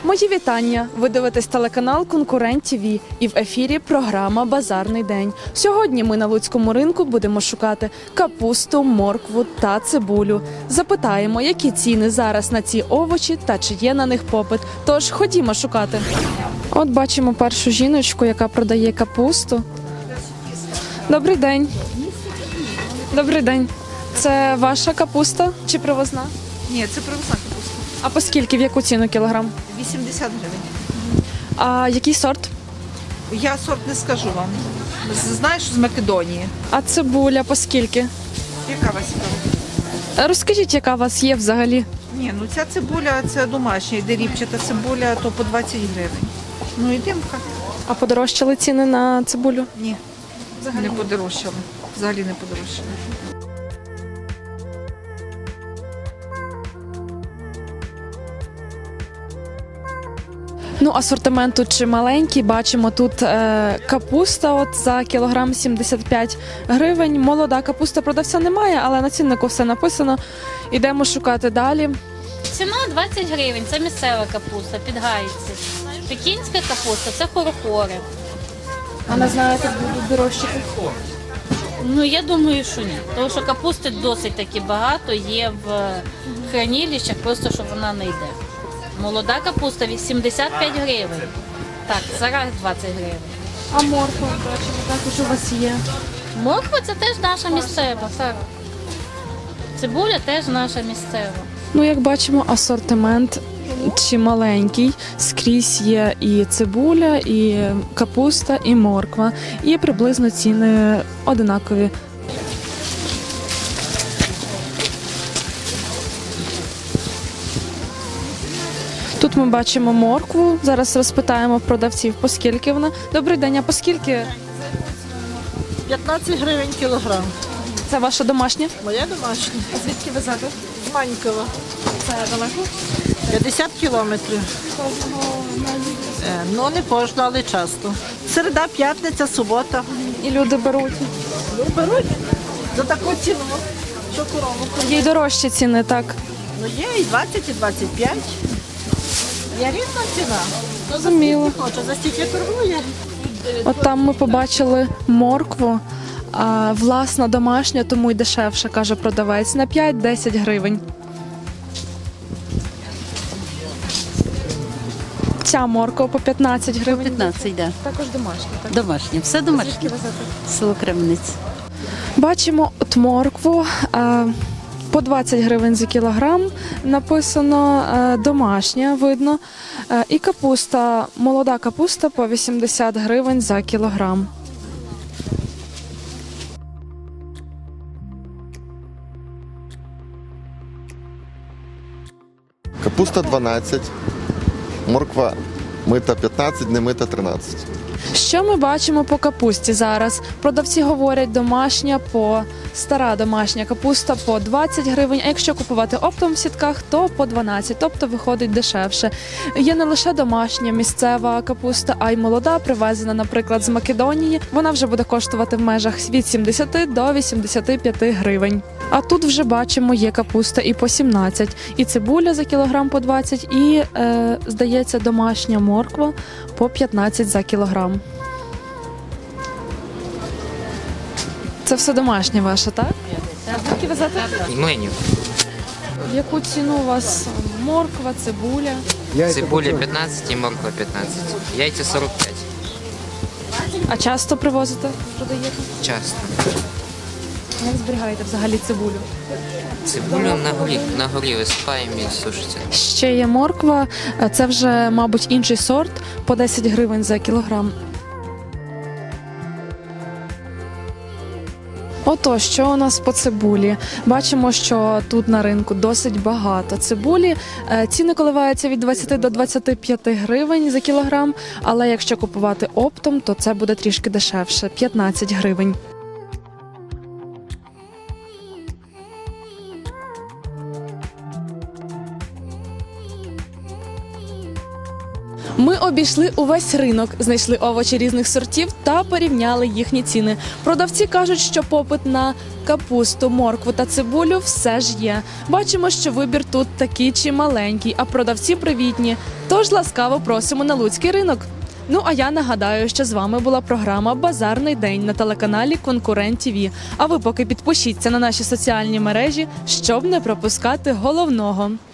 Мої вітання! Ви дивитесь телеканал Конкурент ТВ і в ефірі програма «Базарний день». Сьогодні ми на Луцькому ринку будемо шукати капусту, моркву та цибулю. Запитаємо, які ціни зараз на ці овочі та чи є на них попит. Тож ходімо шукати. От бачимо першу жіночку, яка продає капусту. Добрий день. Добрий день. Це ваша капуста чи привозна? Ні, це привозна капуста. А по скільки, в яку ціну кілограм? 80 гривень. А який сорт? Я сорт не скажу вам. Знаєш, з Македонії. А цибуля по скільки? Яка у вас справа? Розкажіть, яка у вас є взагалі? Ні, ну ця цибуля, це домашня, йде ріпчата цибуля, то по 20 гривень. Ну і димка. А подорожчали ціни на цибулю? Ні, взагалі не подорожчали. Взагалі не подорожчали. Ну, асортимент тут чималенький. Бачимо, тут капуста от за кілограм 75 гривень. Молода капуста продавця немає, але на ціннику все написано. Ідемо шукати далі. Ціна 20 гривень, це місцева капуста, підгаїться. Пекінська капуста це хорохори. А не знаєте, будуть дорожчати? Ну я думаю, що ні. Тому що капусти досить таки багато є в хранилищах, просто що вона не йде. Молода капуста 85 гривень. Так, зараз 20 гривень. А морква, бачимо, також у вас є. Морква це теж наша місцева. Так. Цибуля теж наша місцева. Ну, як бачимо, асортимент чималенький. Скрізь є і цибуля, і капуста, і морква. І приблизно ціни одинакові. Тут ми бачимо моркву. Зараз розпитаємо в продавців, по скільки вона. Добрий день, а по скільки? 15 гривень кілограм. Це ваша домашня? Моя домашня. А звідки везете? З Манькова. Це далеко? 50 кілометрів. Ну, не кожну, але часто. Середа, п'ятниця, субота. І люди беруть. Ну, беруть за таку ціну, що корову. Є й дорожчі ціни, так. Ну, є і 20, і 25. Є різна ціна. Зрозуміло. Хоче, за стільки торгує. От там ми побачили моркву, а власна домашня, тому й дешевше, каже продавець, на 5-10 гривень. Ця морква по 15 гривень. 15, да. Також домашня, так? Домашнє. Все домашнє. Звідки везете? Село Кременець. Бачимо от моркву по 20 гривень за кілограм, написано домашня, видно. І капуста, молода капуста по 80 гривень за кілограм. Капуста 12, морква мита 15, не мита 13. Що ми бачимо по капусті зараз? Продавці говорять, стара домашня капуста по 20 гривень, а якщо купувати оптом в сітках, то по 12, тобто виходить дешевше. Є не лише домашня місцева капуста, а й молода, привезена, наприклад, з Македонії. Вона вже буде коштувати в межах від 70 до 85 гривень. А тут вже бачимо, є капуста і по 17, і цибуля за кілограм по 20, і, здається, домашня морква по 15 за кілограм. Це все домашнє ваше, так? А звідки везете? Млинів. В яку ціну у вас морква, цибуля? Цибуля 15 і морква 15. Яйця 45. А часто привозите, продаєте? Часто. Як зберігаєте взагалі цибулю? Цибулю на горі висипаємо і сушиться. Ще є морква, це вже, мабуть, інший сорт, по 10 гривень за кілограм. Ото, що у нас по цибулі? Бачимо, що тут на ринку досить багато цибулі. Ціни коливаються від 20 до 25 гривень за кілограм, але якщо купувати оптом, то це буде трішки дешевше – 15 гривень. Ми обійшли увесь ринок, знайшли овочі різних сортів та порівняли їхні ціни. Продавці кажуть, що попит на капусту, моркву та цибулю все ж є. Бачимо, що вибір тут такий чималенький, а продавці привітні. Тож ласкаво просимо на луцький ринок. Ну а я нагадаю, що з вами була програма «Базарний день» на телеканалі Конкурент ТВ. А ви поки підпишіться на наші соціальні мережі, щоб не пропускати головного.